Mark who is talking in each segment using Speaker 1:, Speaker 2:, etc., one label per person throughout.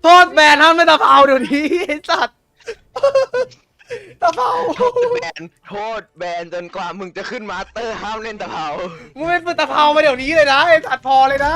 Speaker 1: โทษแบนห้ามไม่ตะเภาเดี๋ยวนี้ไอ้สัตว์ตะเภา
Speaker 2: โทษแบนจนกว่ามึงจะขึ้นมาสเตอร์ห้ามเล่นตะเภา
Speaker 1: มึงไม่เป็นตะเภามาเดี๋ยวนี้เลยนะไอ้สัตว์พอเลยนะ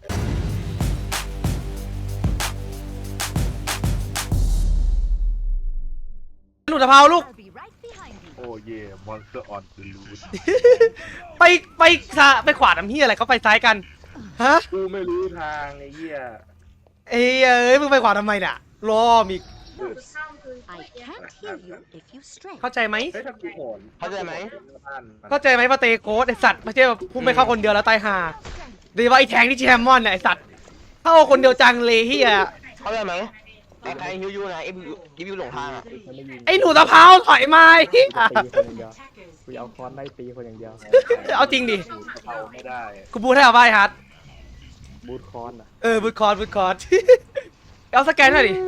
Speaker 1: หลุดตะเภาลูก
Speaker 3: โอ้เย่มอนสเตอร์ออนเดลูด
Speaker 1: ไปไปขวาน้ำเฮียอะไรเขาไปซ้ายกันฮะ
Speaker 3: กูไม่รู้ทางไอ้เหี้ย
Speaker 1: เอ้ยมึงไปขวาทำไมเนี่ยรอมอีก
Speaker 4: I can't hear you if you stray.
Speaker 1: เข้าใจไหม
Speaker 3: เฮ้ยถ้ากูโหน
Speaker 2: เข้าใจไหม
Speaker 1: เข้าใจไหมว่าเตโกสไอสัตว์ไม่ใช่แบบพุ่งไปเข้าคนเดียวแล้วตายห่าดีว่าไอแทงที่แชมมอนเนี่ยไอสัตว์เข้าคนเดียวจังเลยเฮีย
Speaker 2: เข้าใจไหมไอ้ใครฮิวยูนะไอ้ฮิวหลงทางอ่ะ
Speaker 1: ไอหนูตะเภาถอยมาเฮีย
Speaker 5: ตีคนอย่างเดียวกูเอาค้อนไล่ตีคนอย่างเดียว
Speaker 1: เอาจริงดิ
Speaker 3: เอาไม่ได้
Speaker 1: กูพูดให้เอาไว้ฮัท
Speaker 5: บูทค้อนอ่ะ
Speaker 1: บูทคอร์ดเอาสแกนหน่อยดิ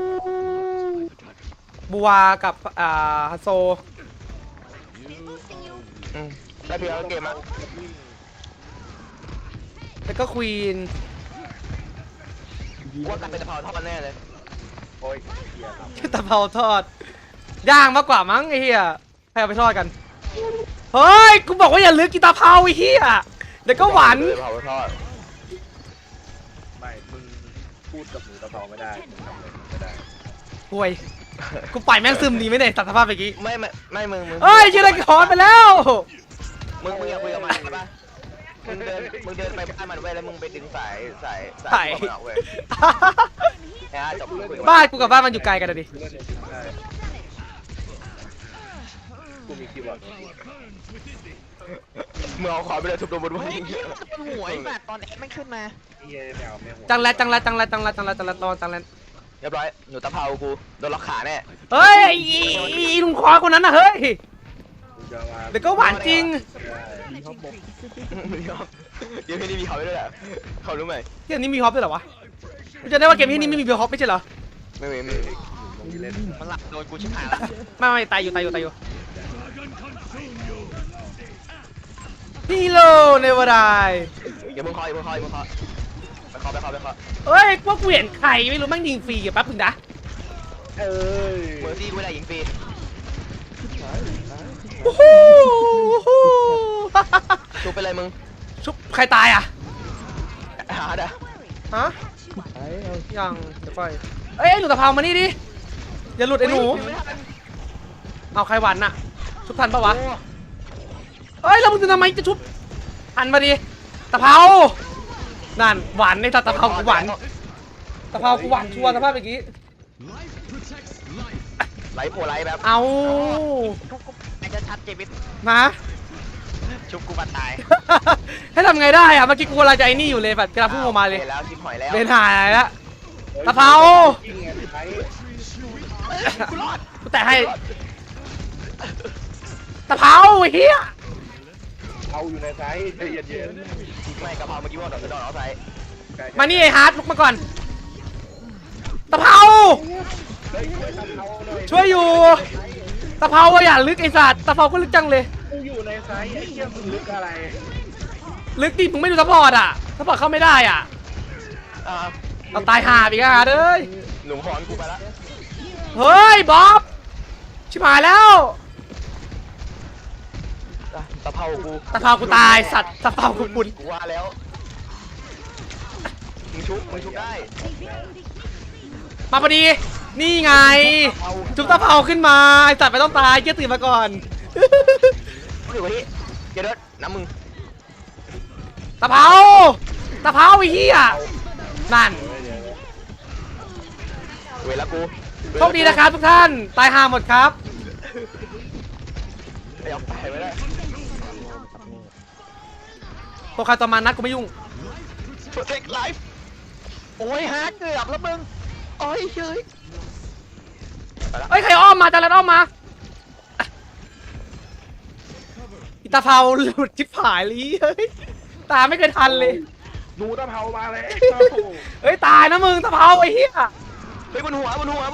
Speaker 1: บัวกับฮัตโซ
Speaker 2: ได้เพียงเกมอ่ะ
Speaker 1: แล้วก็ควีน
Speaker 2: ว่ากันเป็นตะเภาเท่ากันแน่เลย
Speaker 3: โอ้ยเหี้ยครับ
Speaker 1: ตะเภาทอดย่างมากกว่ามั้งไอ้เหี้ยให้เอาไปทอดกันเฮ้ยกูบอกว่าอย่าลืมกินตะเภาไอ้เหี้ยเดี๋ยวก็หวาน
Speaker 2: เผาทอด
Speaker 3: ไม่มึงพูดกับหนูตะเภาไม่ได้มึงทำอะไรไม่ได้
Speaker 1: ห่วยกูปล่อยแม่งซึมดีไหมเนี่ยตัดสภาพเมื่อกี้
Speaker 2: ไม่มึง
Speaker 1: เอ้ยชื่ออะไรคอนไปแล้ว
Speaker 2: มึงอย่าคุยกับมันใช่ปะมึงเดินไปบ้านมันเว้ยแล้วมึงไปดึงสายมันออกเว้ยนะจบคุยกับ
Speaker 1: บ้านกูกับบ้านมันอยู่ไกลกันอะดิ
Speaker 3: กูเล่นในทีมได้กูมีคีย์บอร์ด
Speaker 2: มึงเอาขวาไปเลยทุบโดนบนหัว
Speaker 6: หัวไอ้สัตว์ตอนไม่ขึ้นมา
Speaker 3: ไอ้เหี้ยแมวไม่หัว
Speaker 1: จังแล้ว
Speaker 2: เรียบร้อยหนูตะเภากูโดนล็อกขาแน่
Speaker 1: เฮ้ยอีลุงคอคนนั้นนะเฮ้ย
Speaker 3: กูจะมา
Speaker 1: เดี๋ยวก็หวานจริง
Speaker 5: ดีเขาบอก
Speaker 2: เดี๋ยวพี่นี่มีเขาด้วยแหละเขารู้ไหม
Speaker 1: เกมนี้มีฮอปด้วยเหรอวะกูจะได้ว่าเกมนี้ไม่มีฮอปไม่ใช่เหรอ
Speaker 2: ไม่มี
Speaker 3: มึงเล่น
Speaker 6: มันหลับโดนกูชิบหายแล้ว
Speaker 1: ไม่ตายอยู่ฮีโร่เนวาราย
Speaker 2: อย่ามึงคอยไปเคาะ
Speaker 1: เฮ้ยพวกกูเห็นใครไม่รู้แม่งยิงฟรีแป๊บนึงนะ
Speaker 3: เอ้ย
Speaker 2: เมอร์ซี่กูไม่ได้ยิงฟรี
Speaker 1: โอ้โห
Speaker 2: ชุบไปเลยมึง
Speaker 1: ชุบใครตายอ่ะ
Speaker 2: หาเด้อ
Speaker 1: ฮะ
Speaker 5: ไอ้เอา
Speaker 1: ยังเดี๋ยวค่อยเอ้ยหนูตะเภามานี่ดิอย่าหลุดไอ้หนูเอาใครหวันน่ะชุบทันปะวะเอ้ยแล้วมึงจะทำไมจะชุบทันมาดิตะเภานั่นหวานในตะเภากูหวานตะเภากูหวานชัวร์สภาพเมื่อกี้
Speaker 2: ไหลโผล่ไหลแบบ
Speaker 1: เอา
Speaker 6: ไอ้จะชัดเจวิต
Speaker 1: มา
Speaker 6: ชุบกูบันตาย
Speaker 1: ให้ทำไงได้อะเมื่อกี้กูกำลังจะไอ้นี่อยู่เลยแบบกำลังพุ่งออกมาเลย
Speaker 2: แล้วชิบหอยแล้ว
Speaker 1: เบนหายแล้วตะเภา
Speaker 3: ยิงไงไอ้
Speaker 1: กูแตะให้ตะเภาไอ้เฮีย
Speaker 3: เอาอยู่ในไซส์ใจเย็น
Speaker 2: ไม่กะเพราเมื่อกี้ว่าโดนเอาใส่
Speaker 3: ๆ
Speaker 1: มานี่ไอ้ฮาร์ดลุกมาก่อนตะเภา
Speaker 3: เฮ้ยช่วยทำเขาหน่อย
Speaker 1: ช่วยอยู่ตะเภาอะอย่าลึกไอ้สัตว์ตะเภาก็ลึกจังเลย
Speaker 3: กูอยู่ในไซส์ไอ้เหี้ยมึงลึกอะไร
Speaker 1: ลึกดิมึงไม่ดูซัพพอร์ตอะซัพพอร์ตเข้าไม่ได้อ่ะเราตายห่าไปกันเอ้ย
Speaker 2: หนุ่มฮอนกูไปละ
Speaker 1: เฮ้ยบ๊อบชิบหายแล้ว
Speaker 2: ตะเภากู
Speaker 1: ตะเภากูตายสัตว์ตะเภากูปุ่น
Speaker 2: กูว่าแล้วมึงชุบได้
Speaker 1: มาพอดีนี่ไงจุ๊บตะเภาขึ้นมาไอ้สัตว์ไม่ต้องตายเกี้ยตื่นมาก่อน
Speaker 2: อยู่กับที่เดี๋ยวน้ำมึง
Speaker 1: ตะเภาไอ้เหี้ยนั่น
Speaker 2: เวลากู
Speaker 1: โชคดีนะครับทุกท่านตายห่าหมดครับ
Speaker 2: ไปเอาไปไม่ได้
Speaker 1: ตัวใครตัวมันนัดกูไม่ยุ่ง
Speaker 2: Protect life
Speaker 6: โอ้ยฮาร์ดเกือบแล้วมึงโอ้ยเฉย
Speaker 1: เอ้ยใครอ้อมมาจะแล้วอ้อมมาอีตาเภาหลุดชิบหายเลยเฮ้ยตาไม่เคยทันเลย
Speaker 3: หนูตะเภามาเลย
Speaker 1: เฮ้ยตายนะมึงตาเภาไอ้เหี้ย
Speaker 2: เฮ้ยบนหัว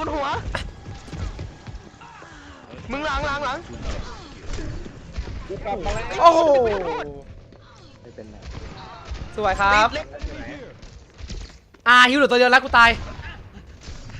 Speaker 2: มึงหลัง
Speaker 3: กูกลับมาแล้ว
Speaker 1: โอ้โห
Speaker 5: ไม่เป็นไร
Speaker 1: สวยครับ
Speaker 6: เล็ก
Speaker 1: ฮิวเหลือตัวเดียวแล้วกูตาย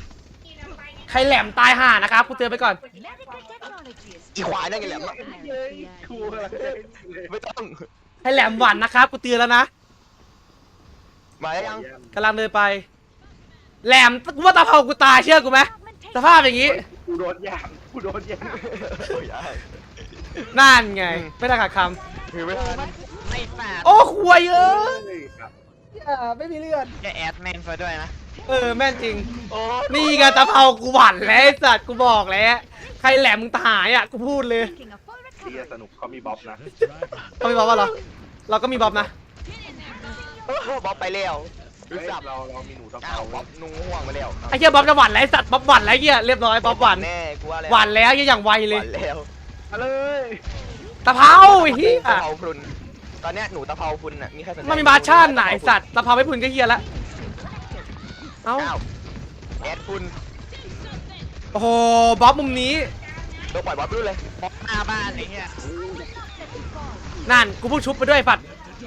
Speaker 1: ใครแหลมตายห่านะครับกูเตือนไปก่อน
Speaker 4: Medical technology is
Speaker 2: อีควายนั่นไงแหละ
Speaker 3: ครูอะไร
Speaker 2: ไม่ต้อง
Speaker 1: ใครแหลมหวันนะครับกูเตือนแล้วนะ
Speaker 2: มาแล้วยัง
Speaker 1: กำลังเดินไป แหลมกูว่าตาเผากูตายเชื่อกูไหมสภาพอย่างนี้
Speaker 3: กูโดนย่างกูโดนย่าง
Speaker 2: โอ้ยได้
Speaker 1: นั่นไง ไม่ได้ขาดค
Speaker 2: คือไม่ทัน
Speaker 6: ไม่ฝาด
Speaker 1: ำโอ้ควยเอ้ย
Speaker 3: เฮ้ยครับ
Speaker 1: ไม่มีเลือด
Speaker 6: จะแอดแมนซะด้วยนะ
Speaker 1: แม่นจริง
Speaker 2: โอ้
Speaker 1: นี่ไงตาเผากูหวั่นแล้วไอ้สัตว์กูบอกแล้ว ใครแหลมมึงตายอ่ะกูพูดเลย
Speaker 4: making a full
Speaker 3: เฮีย
Speaker 4: recovery.
Speaker 3: สนุกเขามีบ๊อบนะ
Speaker 1: เขามีบ๊อบป่ะเหรอ เราก็มีบ๊อบนะ
Speaker 2: บ๊อบไปแล้ว
Speaker 3: เฮ้ย
Speaker 2: สับ
Speaker 3: เรามีหนูตะ
Speaker 2: อ้า
Speaker 3: เภาว
Speaker 2: บ๊อบนุ่งห่วงไปแล้ว
Speaker 1: ไอ้เหี้ยบ๊อบจะหวั่นแล้วไอ้สัตว์บ๊อบหวั่นแล้วไอ้เหี้ยเรียบร้อยบ๊อบหวั่น
Speaker 2: แน่กูว่าแล้ว
Speaker 1: หวั่นแล้วไอ้เหี้ยอย่างไว
Speaker 2: ห
Speaker 1: เลย
Speaker 2: วานแล้ว
Speaker 3: มาเลย
Speaker 1: ตาเผาไอ้เหี้ย
Speaker 2: ตะเภาพรุนตอนเนี้ยหนูตะเภาพรุนน่ะมีใครสนใจ
Speaker 1: มันมีบาร์ชั่นไหนะไอ้สัตว์ตาเผาไม่พุ่นก็เหี้ยละเอ้า
Speaker 2: อ้าวแอดพรุน
Speaker 1: โอ้โหบ๊อบมุมนี้
Speaker 2: ตัวปล่อยบ๊อบรุ่นเลย
Speaker 6: บ๊อบหน้าบ้านไอ้เหี้ย
Speaker 1: นั่นกูเพิ่งชุบไปด้วยปัด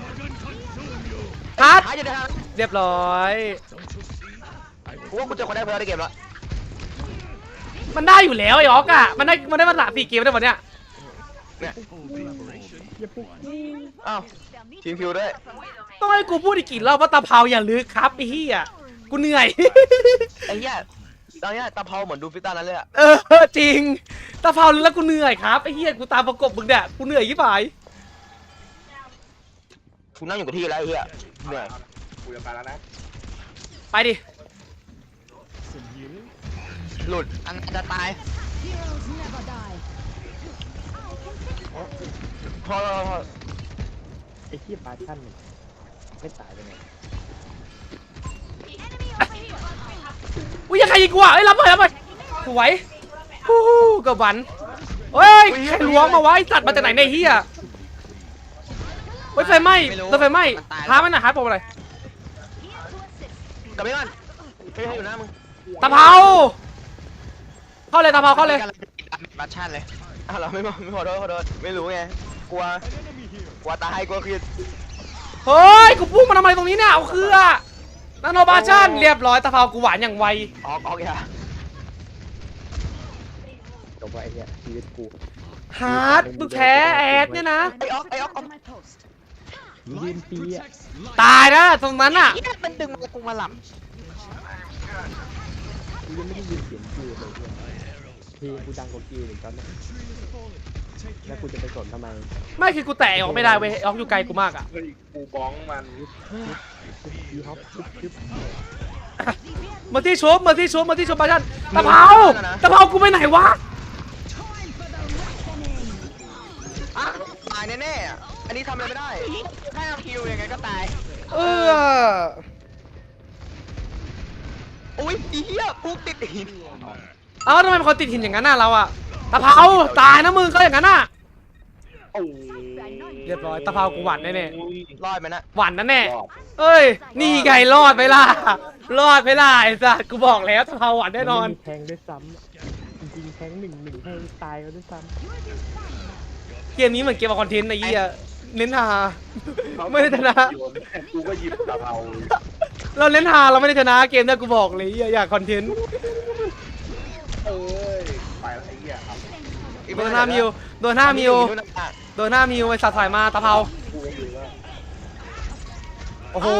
Speaker 1: ฮัท
Speaker 2: หาอยู่ในทาง
Speaker 1: เรียบร้อย
Speaker 2: กูว่ากูเจอคนได้เพิ่มในเกมแล้ว
Speaker 1: มันได้อยู่แล้วไอ้ออกอ่ะมันได้มา3-4เกมได้หมดเนี่ย
Speaker 2: เนี่ยอ้าวทีมคิวด้วย
Speaker 1: ต้องให้กูพูดอีกกี่รอบว่าตาเผาอย่าลึกครับไอ้เหี้ยกูเหนื่อย
Speaker 2: ไอ้เหี้ยตอนเนี้ยตะเภาเหมือนดูฟิตานั้นเลยอะ
Speaker 1: จริงตาเผาลึกแล้วกูเหนื่อยครับไอ้เหี้ยกูตามประกบมึงเนี่ยกูเหนื่อยยี่ปาย
Speaker 2: กูนั่งอยู่กับที่แล้วไอ้เหี้ยเหนื่อย
Speaker 3: กูจะไปแล้วนะ
Speaker 1: ไปดิ
Speaker 2: หลุด
Speaker 6: อันจะตาย
Speaker 4: Heroes never die.
Speaker 2: พอ
Speaker 5: ไอ้ที่ปาชั่นมันไม่ตายไปไหน
Speaker 1: อุ้ยยังใครยิงกูอ่ะเอ้ยรับไปสวยฮู้กับหวันเฮ้ยใครล้วงมาวะไอ้สัตว์มาจากไหนเนี่ยเฮียเฮ้ยไฟไหม้รถไฟไหม้หามันหน่อยหาผมอะไร
Speaker 2: กลับไปก่อนไม่ให้อยู่หน้ามึง
Speaker 1: ตาเผาเข้าเลยตาเผาเข้าเลย
Speaker 6: บัตชั่นเลย
Speaker 2: อ้าวเราไม่ขอโทษไม่รู้ไงกลัวตายกลัวคือ
Speaker 1: เฮ้ยกูพุ่งมาทำไมตรงนี้เนี่ยเอาคือนาโนบาชั่นเรียบร้อยตาเผากูหวานอย่างไว
Speaker 2: ออกอย่า
Speaker 5: จบไปเนี่ยชีวิตกู
Speaker 1: ฮาร์ดมึงแพ้แอดเนี่ยนะ
Speaker 4: I'm returned to my post.
Speaker 5: ยืนปีอ่ะ
Speaker 1: ตายนะตรงนั้นอ่ะ
Speaker 6: เหี้ยมันดึงมากูมาหลับ
Speaker 5: กูยังไม่ได้ยินเสียงคิวเลยเพลงกูดังกว่าคิวเหมือนกันนะแล้วกูจะไปสนทำไม
Speaker 1: ไม่คือกูแตะออกไม่ได้เว้ยออกอยู่ไกลกูมากอ่ะ
Speaker 3: เฮ้ยกูบ้องมัน
Speaker 5: ยีฮอปชึบ
Speaker 1: มาที่ชุบมาที่บาชั่นตะเผากูไปไหนวะ
Speaker 2: อ่ะตายแน่ๆอ่ะอันนี้ทำอะไรไม่ได้
Speaker 6: ถ้าคิวยังไงก็ตาย
Speaker 2: อุ้ยอีเหี้ยปุ๊กติดหิน
Speaker 1: เอ้าทำไมเป็นคนติดหินอย่างนั้นน่ะเราอะตะเผาตายนะมึงก็อย่างนั้นน่ะ
Speaker 3: โอ้
Speaker 1: เรียบร้อยตะเผากูหวั่นแน่
Speaker 2: รอดไหมนะ
Speaker 1: ๆหวั่นนั่นแน่
Speaker 3: รอบ
Speaker 1: เอ้ยนี่ไงรอดไปล่ะรอดไปล่ะไอ้สัสกูบอกแล้วตะเผาหวั่นแน่นอน
Speaker 5: แทงด้วยซ้ำจริงๆแทงหนึ่งแทงตายก็ด้วยซ้
Speaker 1: เกมนี้เหมือนเกมคอนเทนต์ไอ้เหี้ยเน้นหา ไม่ได้ชนะ
Speaker 3: กูก็หยิบตะเภา
Speaker 1: เราเน้นหาเราไม่ได้ชนะเกมเนี่ยกูบอกเลยอยากคอนเทนต์
Speaker 3: เอ้ยไปแล้วไอ้เหี้ยครับ
Speaker 1: โดนหน้ามิวโดนหน้ามิวโดนหน้ามิวไอ้สัตว์ถอยมาตะเผา
Speaker 3: กูก็อยู่ว่า
Speaker 1: โอ้โห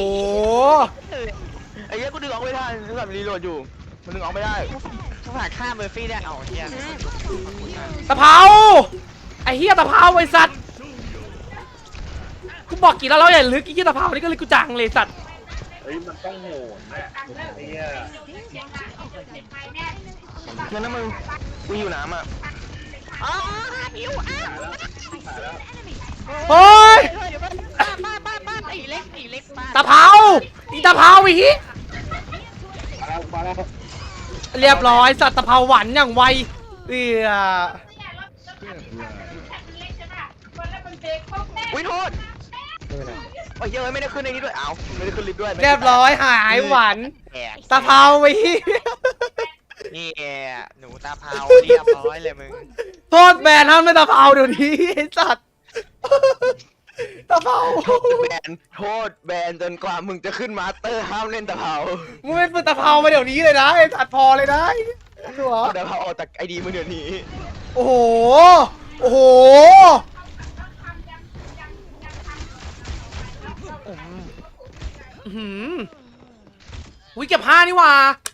Speaker 2: ไอ้เหี้ยกูดึงออกไม่ได้แบบรีโหลดอยู่มันดึงออกไม่ได้
Speaker 6: ถ้าผ่านข้ามเบอร์ฟี่ได้เอาเฮีย
Speaker 1: ตะเผาไอ้เหี้ยตะเผาไอ้สัตว์กูบอกกี่แล้วเราอย่าลึกไอ้เหี้ยตะเผานี่ก็เลยกูจังเลยสัตว์
Speaker 3: เฮ้ยมันต้องโหนเนี่ยไอ้เหี้ย
Speaker 2: งั้นนะมึงกูอยู่น้ำอ่ะ
Speaker 6: อ๋อคิวอ้าว
Speaker 1: เฮ้ย
Speaker 6: เดี๋ยวบ้านไอ้เล็กบ้าน
Speaker 1: ตะเผาอีตะเผาอีฮิ
Speaker 3: มาแล้ว
Speaker 1: เรียบร้อยสัตว์ตะเผาหวานอย่างไวเ
Speaker 2: อุ้ยโทษ
Speaker 5: ำไม่เป็นไร
Speaker 2: โอ้ยเหี้ยไม่ได้ขึ้นในนี้ด้วยอ้าวไม่ได้ขึ้นลิฟต์ด้วย
Speaker 1: รียบร้อยหายหวาน
Speaker 6: แอก
Speaker 1: ตะเผาอีฮิ
Speaker 6: นี่หนูตาเผาเรียบร้อยเลยมึง
Speaker 1: โทษแบนห้ามไม่ตะเผาเดี๋ยวนี้ไอ้สัตว์ตะเผา
Speaker 2: โทษแบนจนกว่ามึงจะขึ้นมาสเตอร์ห้ามเล่นตะเภา
Speaker 1: มึงเป็นตะเผามาเดี๋ยวนี้เลยนะไอ้สัตว์พอเลยนะตัว
Speaker 2: เอาเดี๋ยวเอาออกจากไอดีมึงเดี๋ยวนี้
Speaker 1: โอ้โห โอ้โหอื้อหืออุ้ยเก็บผ้านี่หว่า